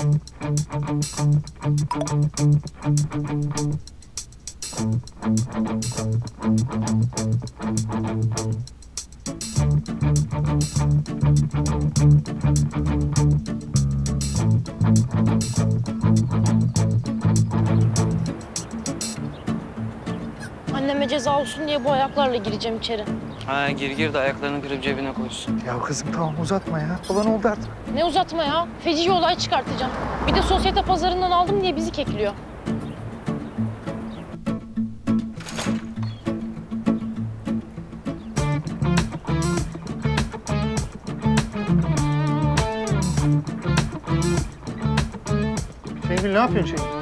Anneme ceza olsun diye bu ayaklarla gireceğim içeri. Ha gir de ayaklarını kırıp cebine koysun. Ya kızım tamam uzatma ya. Olan oldu artık. Ne uzatma ya. Feci olay çıkartacağım. Bir de sosyete pazarından aldım diye bizi kekliyor. Şengül ne yapıyorsun Şengül?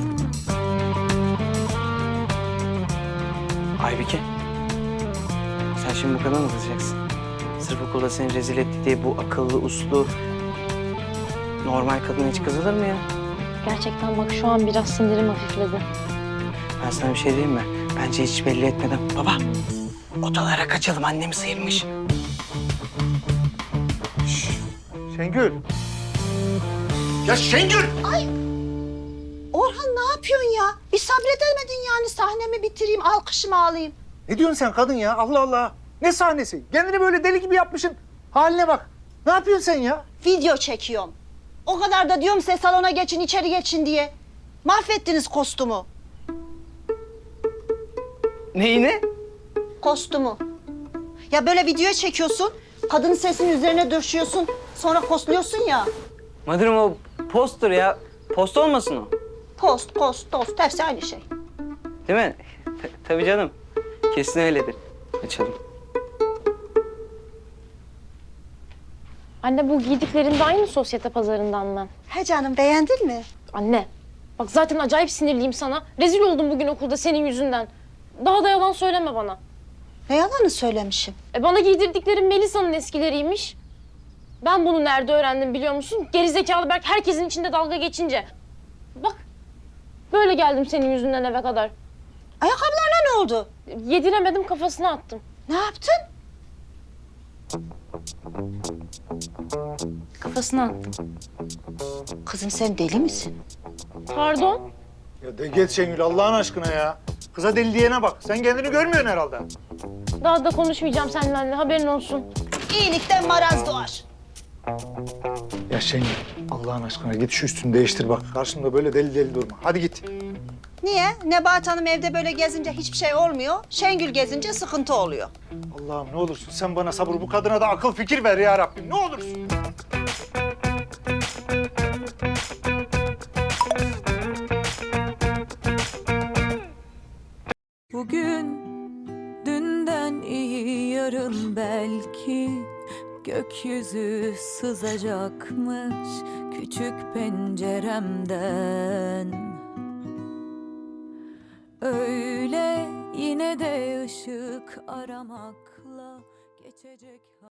Aybike. Sen şimdi bu kadar mı kızacaksın? Sırf okulda seni rezil etti diye bu akıllı, uslu, normal kadın hiç kızılır mı ya? Gerçekten bak şu an biraz sinirim hafifledi. Ben sana bir şey diyeyim mi? Bence hiç belli etmeden. Baba, odalara kaçalım. Annemi sıyırmış. Şengül. Ya Şengül! Orhan ne yapıyorsun ya? Bir sabredemedin yani sahnemi bitireyim, alkışımı alayım. Ne diyorsun sen kadın ya? Allah Allah. Ne sahnesi? Kendini böyle deli gibi yapmışsın. Haline bak. Ne yapıyorsun sen ya? Video çekiyorum. O kadar da diyorum size salona geçin, içeri geçin diye. Mahvettiniz kostümü. Neyini? Kostümü. Ya böyle video çekiyorsun, kadının sesinin üzerine döşüyorsun, sonra postluyorsun ya. Madırım o poster ya. Post olmasın o. Post, hepsi aynı şey. Değil mi? Tabii canım. Kesin öyledir. Açalım. Anne bu giydiklerin de aynı sosyete pazarından mı? He canım, beğendin mi? Anne bak zaten acayip sinirliyim sana. Rezil oldum bugün okulda senin yüzünden. Daha da yalan söyleme bana. Ne yalanı söylemişim? Bana giydirdiklerin Melisa'nın eskileriymiş. Ben bunu nerede öğrendim biliyor musun? Gerizekalı Berk herkesin içinde dalga geçince. Bak böyle geldim senin yüzünden eve kadar. Ayakkabılarına ne oldu? Yediremedim kafasına attım. Ne yaptın? Kafasına attım. Kızım sen deli misin? Pardon. Ya de geç Şengül Allah'ın aşkına ya. Kıza deli diyene bak. Sen kendini görmüyorsun herhalde. Daha da konuşmayacağım seninle anne haberin olsun. İyilikten maraz doğar. Ya Şengül Allah'ın aşkına git şu üstünü değiştir bak. Karşımda böyle deli deli durma. Hadi git. Niye? Nebahat Hanım evde böyle gezince hiçbir şey olmuyor. Şengül gezince sıkıntı oluyor. Allah'ım ne olursun sen bana sabır, bu kadına da akıl fikir ver ya Rabbim. Ne olursun. Bugün dünden iyi yarın belki gökyüzü sızacakmış küçük penceremden. Öyle yine de ışık aramakla geçecek.